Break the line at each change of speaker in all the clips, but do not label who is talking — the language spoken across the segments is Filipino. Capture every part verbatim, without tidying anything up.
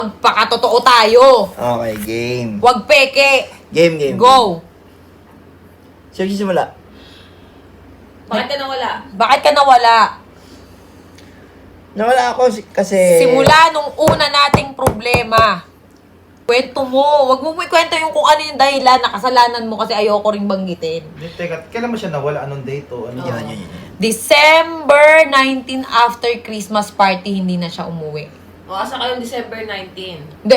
Magpakatotoo tayo.
Okay, game.
Huwag peke.
Game, game.
Go.
Sino simula?
Bakit ka nawala?
Bakit ka nawala?
Nawala ako si- kasi...
Simula nung una nating problema. Kwento mo. Huwag mo mo ikwento yung kung ano yung dahilan na kasalanan mo kasi ayoko ring banggitin.
Hindi, teka, kailan mo siya nawala? Anong date o ano?
Yan, yan, yan.
December nineteenth after Christmas party, hindi na siya umuwi.
O, asa kayong December nineteenth?
Hindi.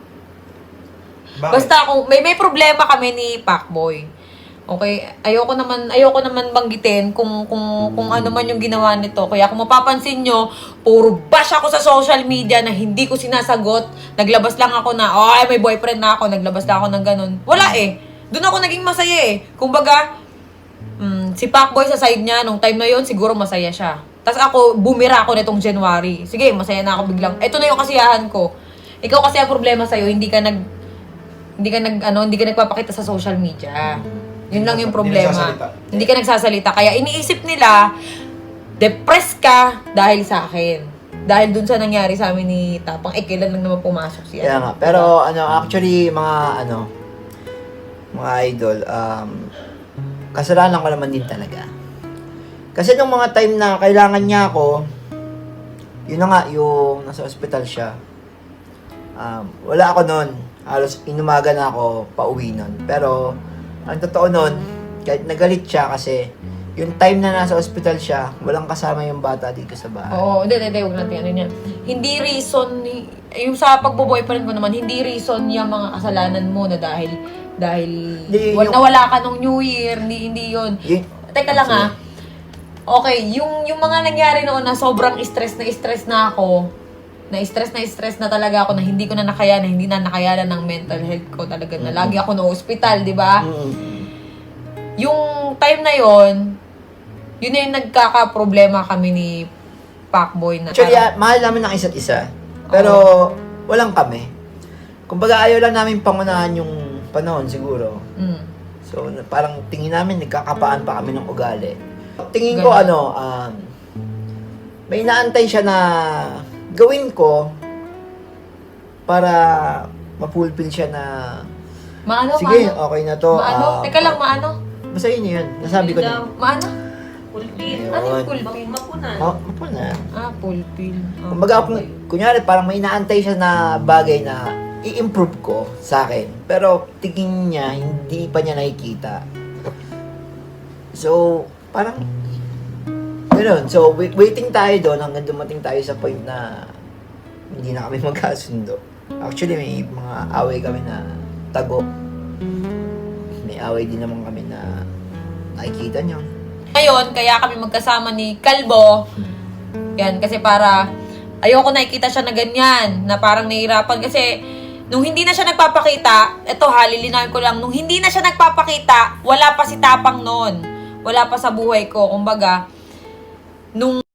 Bakit?
Basta kung may may problema kami ni Pacboy. Okay, ayoko naman ayoko naman banggitin kung kung kung ano man yung ginawa nito. Kaya kung mapapansin nyo, puro bash ako sa social media na hindi ko sinasagot. Naglabas lang ako na, oh, ay, may boyfriend na ako. Naglabas lang ako ng ganun. Wala eh. Doon ako naging masaya eh. Kumbaga, mm, si Pacboy sa side niya, nung time na yon siguro masaya siya. Tapos ako, bumira ako nitong January. Sige, masaya na ako biglang. Ito na yung kasiyahan ko. Ikaw kasi ang problema sa'yo, hindi ka nag, hindi ka nag, ano, hindi ka nagpapakita sa social media. Yun lang yung
Hindi
problema.
nagsasalita.
Hindi ka nagsasalita. Kaya iniisip nila, depressed ka dahil sa akin. Dahil dun sa nangyari sa amin ni Tapang, eh, kailan lang naman pumasok siya.
Kaya nga. Pero, ano, actually, mga, ano, mga idol, um, kasalanan ko naman din talaga. Kasi nung mga time na kailangan niya ako, yun na nga, yung nasa ospital siya. Um, wala ako nun. Halos inumaga na ako pauwi nun. Pero, ang totoo nun, kahit nagalit siya kasi yung time na nasa ospital siya, walang kasama yung bata dito sa bahay.
Oo, hindi, hindi, huwag natin ano niya. Hindi reason, ni- yung sa pagbo-boyfriend ko naman, hindi reason yung mga kasalanan mo na dahil, dahil,
Hindi,
wal-
yung-
nawala ka nung New Year, hindi, hindi yun.
Yun-
Teka lang ah. Okay, yung, yung mga nangyari noon na sobrang stress na stress na ako, na stress na stress na talaga ako na hindi ko na nakayanan, hindi na nakayanan ng mental health ko talaga na lagi ako na hospital, di ba?
Mm.
Yung time na yon, yun na yung nagkaka-problema kami ni Pacboy na
Actually,
parang-
ah, mahal namin ng isa't isa. Pero, walang kami. Kumbaga, ayaw lang namin pangunahan yung panahon siguro.
Mm.
So, na- parang tingin namin, nagkakapaan pa kami ng ugali. Tingin ko,
Ganun.
ano, um, may inaantay siya na gawin ko para mapulpil siya na,
Maano,
sige,
maano?
okay na to.
Maano?
ah,
Teka lang, maano?
Basta yun yun. Nasabi ko na.
Daw.
Maano?
Pulpin.
Ayun.
Ano yung pulpil?
Mapunan.
Ma- mapo na.
Ah, pulpil. Ah,
Kumbaga, kung,
okay.
kunyari, parang may inaantay siya na bagay na i-improve ko sa akin. Pero, tingin niya, hindi pa niya nakikita. So, parang, gano'n. So, wait, waiting tayo doon hanggang dumating tayo sa point na hindi na kami magkasundo. Actually, may mga away kami na tago. May away din naman kami na nakikita niyo.
Ngayon, kaya kami magkasama ni Kalbo. Yan, kasi para ayoko nakikita siya na ganyan, na parang nahihirapan. Kasi, nung hindi na siya nagpapakita, eto ha, lilinawin ko lang, nung hindi na siya nagpapakita, wala pa si Tapang noon. Wala pa sa buhay ko. Kumbaga, nung